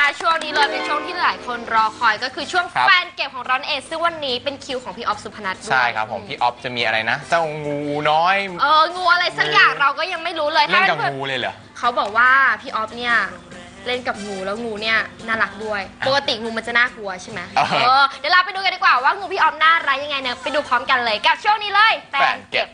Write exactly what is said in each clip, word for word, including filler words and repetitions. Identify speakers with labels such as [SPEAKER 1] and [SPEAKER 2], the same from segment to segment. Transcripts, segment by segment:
[SPEAKER 1] นะคะช่วงนี้เลยเป็นช่วงที่หลายคนรอคอยก็คือช่วง
[SPEAKER 2] ครับ
[SPEAKER 1] แฟนเก็บของเราเองซึ่งวันนี้เป็นคิวของพี่ออฟสุพนัทด้วย
[SPEAKER 2] ใช่ครับผมพี่ออฟจะมีอะไรนะ เจ้างูน้อย
[SPEAKER 1] เอองูอะไรสักอย่างเราก็ยังไม่รู้เลย
[SPEAKER 2] เล่นกับ
[SPEAKER 1] ถ้า
[SPEAKER 2] งูเลยเหรอ
[SPEAKER 1] เขาบอกว่าพี่ออฟเนี่ยเล่นกับงูแล้วงูเนี่ยน่ารักด้วยปกติงูมันจะน่ากลัวใช่ไหม
[SPEAKER 2] เออ
[SPEAKER 1] เออเดี๋ยวเราไปดูกันดีกว่าว่างูพี่ออฟน่ารักยังไงเนี่ยไปดูพร้อมกันเลยกับช่วงนี้เลยแฟนเก็บ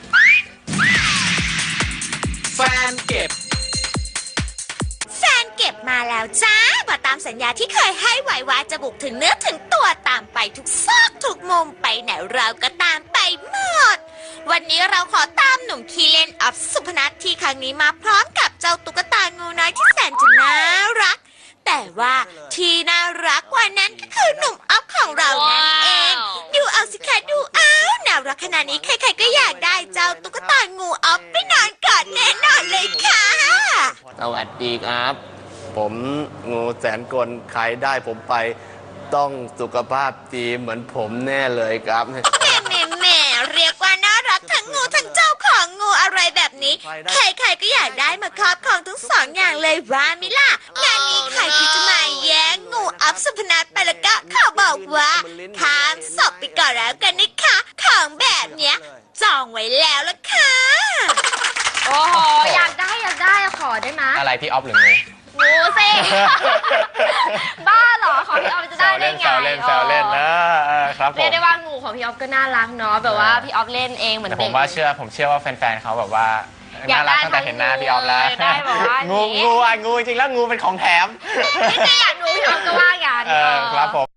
[SPEAKER 2] แฟนเก็บ
[SPEAKER 3] แฟนเก็บมาแล้วจ้ามาตามสัญญาที่เคยให้ไว้ว่าจะบุกถึงเนื้อถึงตัวตามไปทุกซอกทุกมุมไปไหนเราก็ตามไปหมด วันนี้เราขอตามหนุ่มคีเลนออฟสุพนัทที่ครั้งนี้มาพร้อมกับเจ้าตุ๊กตางูน้อยที่แสนจะน่ารัก แต่ว่าที่น่ารักกว่านั้นก็คือหนุ่มออฟของเรานั่นเอง ดูเอาสิคะดูเอาน่ารักขนาดนี้ใครๆก็อยากได้เจ้าตุ๊กตางูออฟไปนอนกอดแน่นอนเลยค่ะ
[SPEAKER 4] สวัสดีครับ ผมงูแสนกลใครได้ผมไปต้องสุขภาพดีเหมือนผมแน่เลยครับ
[SPEAKER 3] แหม่แหม่แหม่เรียกว่าน่ารักทั้งงูทั้งเจ้าของงูอะไรแบบนี้ ใครๆก็อยากได้มาครอบครองทั้งสองอย่างเลยว่ามิล่ะงานนี้ใครที่จะมาแย่งงูอัพสุพนัทไปแล้วก็ขอบอกว่าข้ามศพไปก่อนแล้วกันนะคะของแบบเนี้ยจองไว้แล้วล่ะค่ะ
[SPEAKER 1] โอ้โหอยากได้อยากได้ขอได้ไหม
[SPEAKER 2] อะไรพี่ออฟหรืองู
[SPEAKER 1] งูสิ บ้าเหรอของพี่ออฟจะ
[SPEAKER 2] แซ
[SPEAKER 1] ได้
[SPEAKER 2] ว
[SPEAKER 1] ได้
[SPEAKER 2] เล่น
[SPEAKER 1] ไง
[SPEAKER 2] แซวเล่นแซวเล่นนะเออครับผ
[SPEAKER 1] เรีย
[SPEAKER 2] ม
[SPEAKER 1] กได้ว่างูของพี่ออฟก็น่ารักเนาะแบบว่าพี่ออฟเล่นเองเหมือน
[SPEAKER 2] แต่ผ
[SPEAKER 1] เด็ก
[SPEAKER 2] มว่าเชื่อผมเชื่อว่าแฟนๆเขาแบบว่า
[SPEAKER 1] อยา
[SPEAKER 2] น่าก
[SPEAKER 1] ได้
[SPEAKER 2] รักตั้งแต่เห็นหน้าพี่ออฟแล้ว
[SPEAKER 1] อยากได้แบบว่าอย่างนี้
[SPEAKER 2] งูงูอ่ะงูจริงๆแล้วงูเป็นของแถม
[SPEAKER 1] ไม่ได้อยากดูพี่ออฟก็ว่ากัน
[SPEAKER 2] เออครับผม